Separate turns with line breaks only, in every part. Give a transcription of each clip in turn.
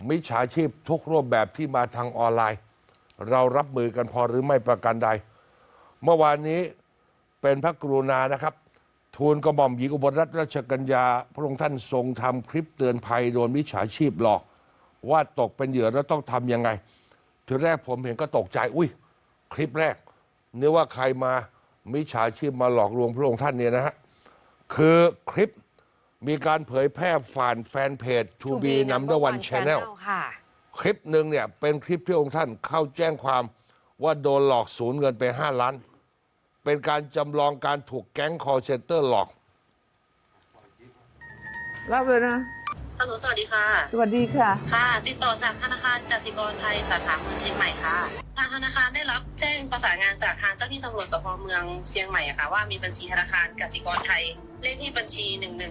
มิจฉาชีพทุกรูปแบบที่มาทางออนไลน์ เรารับมือกันพอหรือไม่ประการใด เมื่อวานนี้เป็นพระกรุณานะครับ ทูลกระหม่อมหญิงอุบลรัตนราชกัญญาพระองค์ท่านทรงทำคลิปเตือนภัยโดนมิจฉาชีพหลอก ว่าตกเป็นเหยื่อแล้วต้องทำยังไงทีแรกผมเห็นก็ตกใจอุ้ยคลิปแรกนึกว่าใครมามิจฉาชีพมาหลอกลวงพระองค์ท่านเนี่ยนะฮะคือคลิปมีการเผยแพร่ผ่านแฟนเพจ To Be Number One Channel คลิปหนึ่งเนี่ยเป็นคลิปที่องค์ท่านเข้าแจ้งความว่าโดนหลอกสูญเงินไป5 ล้านเป็นการจำลองการถูกแก๊ง call center หลอก
รับเลยนะ
ฮัลโหลสวัสดีค่ะ
สวัสดีค่ะ
ค่ะ ติดต่อจากธนาคารกสิกรไทยสาขาเมืองเชียงใหม่ค่ะ ทางธนาคารได้รับแจ้งประสานงานจากทางเจ้าหน้าที่ตำรวจสพเมืองเชียงใหม่ค่ะว่ามีบัญชีธนาคารกสิกรไทยเลขที่บัญชี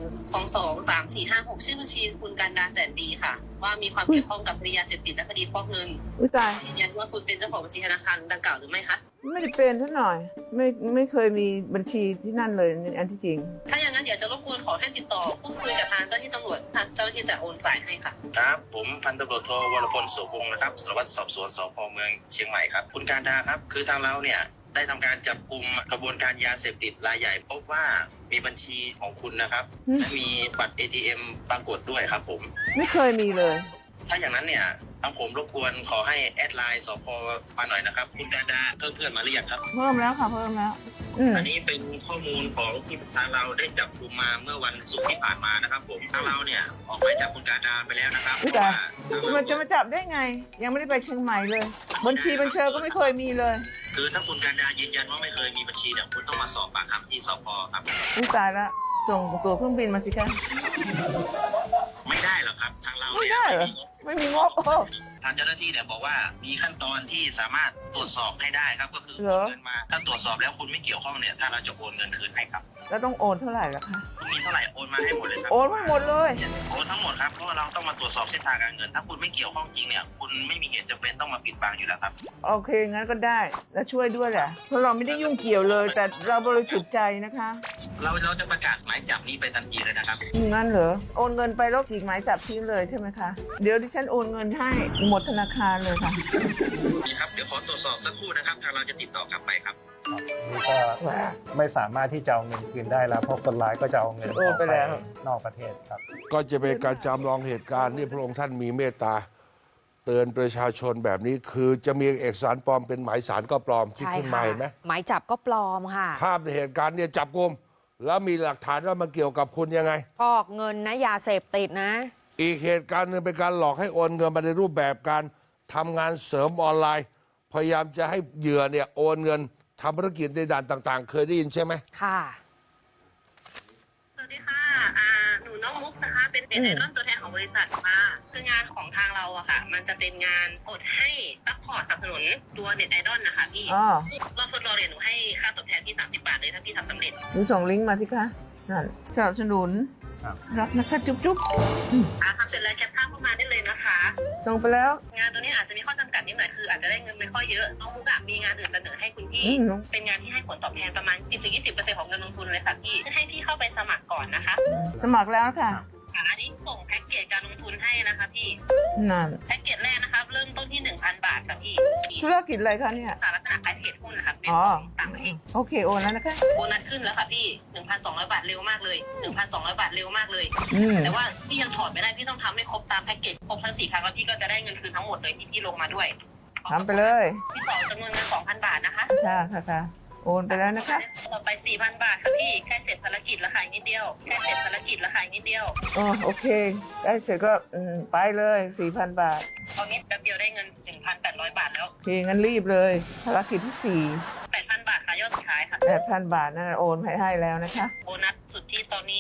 11223456ชื่อบัญชีคุณการดาแสนดีค่ะ ว่ามีความเกี่ยวข้องกับคดียาเสพติดและคดีฟอกเงิน
อุ้ยตาย
ยืนยันว่าคุณเป็นเจ้าของบัญชีธนาคารดังกล่าวหรือไม่คะ
ไม่ได้เป็นท่านหน่อย ไม่เคยมีบัญชีที่นั่นเลยอันที่จริง
ถ้าอย่างนั้นเดี๋ยวจะรบกวนขอให้ติดต่อพูดคุยกับทางเจ้าหน้าที่ตำรวจทางเจ้าหน้าที่จะโอนสายให้ค่ะ
ครับผมพันตำรวจโทวรพลโสพงศ์นะครับสารวัตรสอบสวนสพเมืองเชียงใหม่ครับคุณการดาครับคือทางเราเนี่ยได้ทำการจับกลุ่มกระบวนการยาเสพติดรายใหญ่พบว่ามีบัญชีของคุณนะครับและมีบัตร ATM ปรากฏด้วยครับผม
ไม่เคยมีเลย
ถ้าอย่างนั้นเนี่ยทางผมรบกวนขอให้แอดไลน์สพมาหน่อยนะครับคุณการดาเพื่อนมาหรือยังครับ
เพิ่มแล้วค่ะเพิ่มแล้ว
อันนี้เป็นข้อมูลของที่ทางเราได้จับกลุ่มมาเมื่อวันศุกร์ที่ผ่านมานะครับผมทางเราเนี่ยออกหมายจับคุณการดาไปแล้วนะครับเพ
อุ้ย
ราะ
ตาย
ว่า
มันจะมาจับได้ไง ยังไม่ได้ไปเชียงใหม่เลย บัญชีบัญเชอก็ไม่เคยมีเลย
คือถ้าคุณการดายืนยันว่าไม่เคยมีบัญชีเนี่ยคุณต้องมาสอบปากคำที่สพครับ
อุ้ยตายแล้วส่งตั๋วเครื่องบินมาสิคะ
ไม่ได้หรอกครับทางเรา
ไม่
เนี่ย
ได้เหรอ ไม่มีงบโอ้
ทางเจ้าหน้าที่เนี่ยบอกว่ามีขั้นตอนที่สามารถตรวจสอบให้ได้ครับก็คือ
เหร
โอ
อ
นเงินมาถ้าตรวจสอบแล้วคุณไม่เกี่ยวข้องเนี่ยถ้างเราจะโอนเงินคืนให้ครับ
แล้วต้องโอนเท่าไหร่ล่ะคะ
คุณมีเท่าไหร่โอนมาให้หมดเลยครับ
โอนมาหมดเลย
โอนทั้งหมดครับเพราะว่าเราต้องมาตรวจสอบเส้นทางการเงิน ถ้าคุณไม่เกี่ยวข้องจริงเนี่ยคุณไม่มีเหตุจำเป็นต้องมาปิดบังอยู่แล้วครับ
โอเคงั้นก็ได้ แล้วช่วยด้วยแหละ เพราะเราไม่ได้ยุ่งเกี่ยวเลย แต่เราบริสุทธิ์ใจนะคะ
เราจะประกาศหมายจับนี้ไปทันทีเลยนะครับ
งั้นเหรอ โอนเงินไปแล้วฉีกหมายจับทิ้งเลยใช่ไหมคะ เดี๋ยวดิฉันโอนเงินให้หมดธนาคารเลยค่ะ
นี่ครับเดี๋ยวขอตรวจสอบสักครู่นะครับทางเราจะติดต่อกลับไปครับ
นี่ก็ไม่สามารถที่จะเอาเงินคืนได้แล้วเพราะคนร้ายก็จะเอาเงินอ
โอ
อก
ไป
ไป
แล้ว
นอกประเทศครับ
ก็จะเป็นการจำลองเหตุการณ์ที่พระองค์ท่านมีเมตตา เตือนประชาชนแบบนี้คือจะมีเอกสารปลอมเป็นหมายสารก็ปลอมที่
ใช่
ขึ้นมา
ค่ะ
เห็นไหม
หมายจับก็ปลอมค่ะ
ภาพในเหตุการณ์เนี่ยจับกุมแล้วมีหลักฐานว่ามันเกี่ยวกับคุณยังไง
ฟอกเงินนะยาเสพติดนะ
อีกเหตุการณ์หนึ่งเป็นการหลอกให้โอนเงินมาในรูปแบบการทำงานเสริมออนไลน์ พยายามจะให้เหยื่อเนี่ยโอนเงินทำธุรกิจในด่านต่าง ๆ เคยได้ยินใช่ไหม
ค่ะ
สวัสดีค่ะหนูน้องมุกนะคะ เป็นเน็ตไอดอลตัวแทนของบริษัทค่ะ คืองานของทางเราอะค่ะ มันจะเป็นงานอดให้ซัพพอร์ตสนับสนุนตัวเน็ตไอดอลนะคะพี่
อ๋อ
รอบทดลองเนี่ยหนูให้ค่าตอบแทนที่30 บาทเลยถ้าพี่ทำสำเร็จ
หนูส่งลิงก์มาสิคะ นั่นสนับสนุน
ครับ
รักนะคะจุ๊บจุ๊บ
ทำเสร็จแล้วแคปภาพเข้ามาได้เลยนะคะ
ส่งไปแล้ว
งานตัวนี้อาจจะมีข้อจำกัดนิดหน่อยคืออาจจะได้เงินไม่ค่อยเยอะ น้องมุกอะมีงานอื่นเสนอให้คุณพี่ เป็นงานที่ให้ผลตอบแทนประมาณ 10-20% ของเงินลงทุนเลยค่ะพี่ ให้พี่เข้าไปสมัครก่อนนะคะ
สมัครแล้วค่ะ
อันนี้ส่งแพ็กเกจการลงทุนให้นะคะพี่
นั่น
แพ็กเกจแรกนะครับเริ่มต้นที่ 1,000 บาทค่ะพี่
ธุรกิจอะไรคะเนี่ย
ลักษณะขายเทรดหุ้นนะครับเป็น
อ๋อ
ของต่างประเทศ
โอเคโอนแล้วนะคะ
โบนัสขึ้นแล้วค่ะพี่ 1,200 บาทเร็วมากเลย 1,200 บาทเร็วมากเลย
อืม
แต่ว่าพี่ยังถอดไม่ได้พี่ต้องทำให้ครบตามแพ็กเกจครบทั้ง4 ครั้งแล้วพี่ก็จะได้เงินคืนทั้งหมดเลยที่พี่ลงมาด้วย
ทำไปเลย
ที่สองจำนวนเงิน 2,000 บาทนะคะ
ค่ะค่ะค่ะโอนไปแล้วนะคะ
ต่อไป 4,000 บาทค่ะพี่ใกล้เสร็จภารกิจแล้วค่ะอีกนิดเดียวใกล้เสร็จภารกิจแล้วค่ะอีกนิดเดียว
อ๋อโอเคได้เสร็จก็ไปเลย 4,000 บาท
ตอนนี้แป๊บเดียวได้เงิน 1,800 บาทแล้ว
โอเคงั้นรีบเลยภารกิจที่
8,000 บาทค่ะยอดสุดท้ายค่ะ
4 8,000 บาทนั่นโอนให้แล้วนะคะ
โบนัสสุดที่ตอนนี้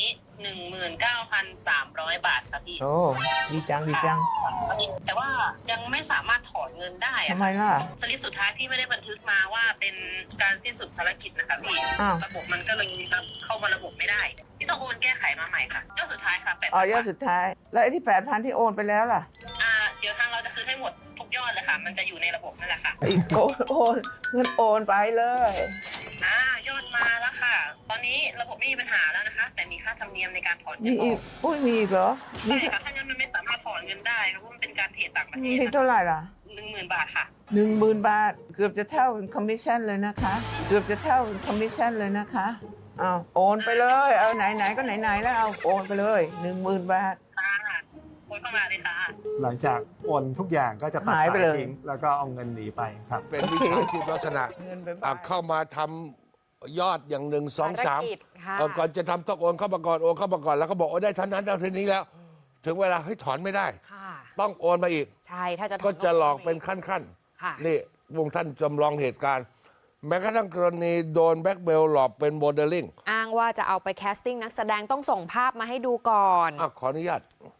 19,300 บาทค่ะพี่
โอ้ดีจังดีจัง
แต่ว่ายังไม่สามารถถอนเงินได้อะ
ทำไมล่ะ
สลิปสุดท้ายที่ไม่ได้บันทึกมาว่าเป็นการสิ้นสุดภารกิจนะคะพี่
อ้าว
ระบบมันก็เลยเข้ามาระบบไม่ได้พี่ต้องโอนแก้ไขมาใหม่ค่ะยอดสุดท้ายค่ะ8,000
อ๋อยอดสุดท้าย แล้วไอ้ที่ 8,000 ที่โอนไปแล้วล่ะ
เดี๋ยวทางเราจะคืนให้หมดทุกยอดเลยค่ะ มันจะอยู่ในระบบนั่นแหละค่ะ
อีกโอนเงินโอนไปเลย
ยอดมาแล้วค่ะ ตอนนี้ระบบไม่มีปัญหาแล้วนะคะ แต่มีค่าธรรมเนียมในการถอนเงิ
มี
นอ
อี
อก ก
อุ้ยมีอีกเหรอ
ใช่ค่ะถ้างั้นมันไม่สามารถถอนเงินได้เพราะมันเป็นการเทรดต่างประเท
มี
ศ
ที่เท่าไหร่ล่ะ
10,000 บาทค่ะ
10,000 บาท เกือบจะเท่าคอมมิชชั่นเลยนะคะ เกือบจะเท่าคอมมิชชั่นเลยนะคะเอาโอนไปเลย เอาไหนๆก็ไหนๆแล้วเอาโอนไปเลย 10,000 บาท
ค่ะโอนเข้ามาเลยค่ะ
หลังจากโอนทุกอย่างก็จะตัด
หาย
สา
ไป
ย
เลย
ทิ้งแล้วก็เอาเงินหนีไปครับ
เป็นวิชาชีพลักษณะ
เงินไป
เข้ามาทำยอดอย่าง1 2
ภารกิจค่ะ
3ก่อนจะทำต้องโอนเข้ามาก่อนโอนเข้ามาก่อนแล้วก็บอกโอ้ได้เท่านั้นเท่านี้แล้ว ถึงเวลาให้ถอนไม่ได้
ค่ะ
ต้องโอนมาอีก
ใช่ถ้าจะถน
ก็จะหลอก
ต้ง
เป็นขั้น
ค่ะ
ๆนี่วงท่านจำลองเหตุการณ์ แม้กระทั่งกรณีโดนแบล็กเมลหลอกเป็นโมเดลลิ่ง
อ้างว่าจะเอาไปแคสติ้งนักแสดงต้องส่งภาพมาให้ดูก่อน
ขออนุญาต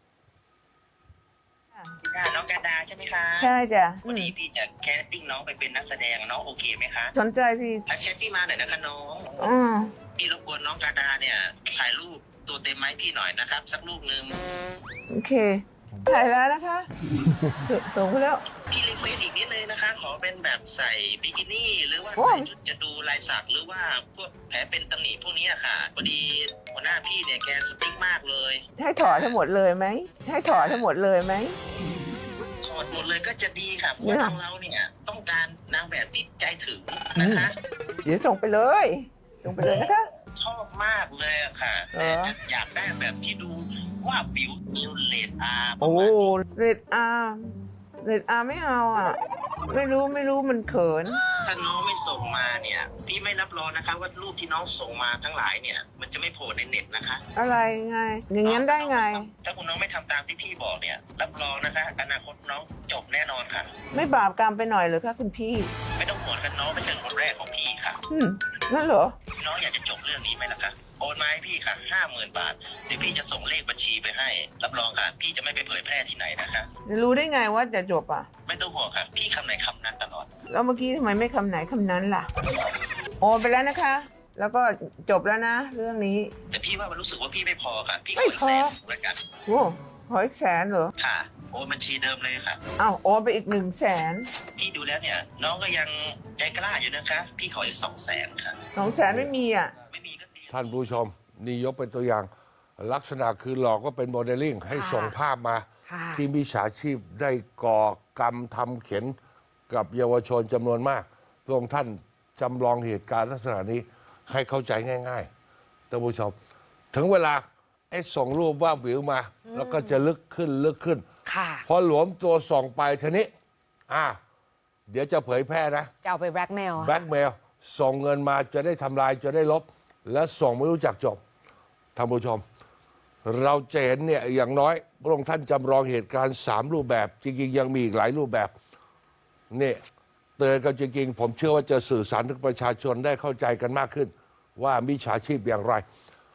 น้องการดาใช่ไหมคะ
ใช่จ้ะ
วันนี้พี่จะแคสติ้งน้องไปเป็นนักแสดงน้องโอเคไหมคะ
สนใจสิ
แชทพี่มาหน่อยนะคะน้อง
อ่า
พี่รบกวนน้องการดาเนี่ยถ่ายรูปตัวเต็มไหมาให้พี่หน่อยนะครับ สักรูปหนึ่ง
โอเค ถ่ายแล้วนะคะส่งไปแล้ว
พี่รีเควสอีกนิดนึงนะคะ ขอเป็นแบบใส่บิกินี่ หรือว่า
โอ้
ใส่
ย
ชุดจะดูลายสักหรือว่าพวกแผลเป็นตำหนิพวกนี้อะค่ะพอดีหัวหน้าพี่เนี่ยแกสติ๊กมากเลย
ให้ถอนทั้งหมดเลยไหม ให้ถอนทั้งหมดเลยไหม
ถอดหมดเลยก็จะดีค่ะเพราะว่าทางเราเนี่ยต้องการนางแบบที่ใจถึงนะคะ
เดี๋ยวส่งไปเลย ส่งไปเลยนะคะ
ชอบมากเลยอะค่ะ
เหร
แต่
อ
จะอยากได้แบบที่ดูว่าบิวนิวเลดอาร์ป
โอ้
ระมาณนี้
เรดอาร์เรดอาร์ไม่เอาอ่ะ ไม่รู้มันเขิน
ถ้าน้องไม่ส่งมาเนี่ยพี่ไม่รับรองนะคะ ว่ารูปที่น้องส่งมาทั้งหลายเนี่ย มันจะไม่โผล่ในเน็ตนะคะ
อะไรไง อย่างนั้นได้ไง
ถ้าคุณน้องไม่ทำตามที่พี่บอกเนี่ย รับรองนะคะ อนาคตน้องจบแน่นอนค่ะ
ไม่บาปกรรมไปหน่อยเหรือคะคุณพี่
ไม่ต้องห่วงกันน้องไม่ใช่คนแรกของพี่ค่ะ
นั่นเหรอ
น้องอยากจะจบเรื่องนี้ไหมล่ะคะโอนมาให้พี่ค่ะ 50,000 บาทเดี๋ยวพี่จะส่งเลขบัญชีไปให้ รับรองค่ะ พี่จะไม่ไปเผยแพร่ที่ไหนนะคะ
จะรู้ได้ไงว่าจะจบอ่ะ
ไม่ต้องห่วงค่ะ พี่คำไหนคำนั้นตลอด
แล้วเมื่อกี้ทำไมไม่คำไหนคำนั้นล่ะ โอนไปแล้วนะคะ แล้วก็จบแล้วนะ เรื่องนี้
แต่พี่ว่ามันรู้สึกว่าพี่ไม่พอค่ะ พี่ข
ไม่
ออีก
พอ
แสนแล้วกัน
โอ้ขออีก100,000เหรอ
ค่ะโอนบัญชีเดิมเลยค่ะ
อ้าวโอนไปอีก100,000
พี่ดูแล้วเนี่ย น้องก็ยังใจกล้าอยู่นะคะ พี่ขออีก200,000ค่ะ
200,000ไม่มีอ่ะ
ไม่มีก็ดี
ท่านผู้ชม นี่ยกเป็นตัวอย่าง ลักษณะคือหลอกว่าเป็นโมเดลลิ่งให้
ค่ะ
ส่งภาพมา
ค่ะ
ที่มิจฉาชีพได้ก่อกรรมทำเข็นกับเยาวชนจำนวนมากทรงท่านจำลองเหตุการณ์ลักษณะนี้ให้เข้าใจง่ายๆท่านผู้ชม ถึงเวลาไอ้ส่งรูปว่าบวิวมา แล้วก็จะลึกขึ้น
ค่ะ
พอหลวมตัวส่งไปทีนี้เดี๋ยวจะเผยแพร่นะ
จะเอาไปแบล็กเมล
แบล็กเมลส่งเงินมาจะได้ทำลายจะได้ลบ และส่งไม่รู้จักจบท่านผู้ชม เราจะเห็นเนี่ยอย่างน้อยพระองค์ท่านจำลองเหตุการณ์3รูปแบบ จริงๆยังมีอีกหลายรูปแบบนี่เตือนกันจริงๆผมเชื่อว่าจะสื่อสารถึงประชาชนได้เข้าใจกันมากขึ้น ว่ามิจฉาชีพอย่างไร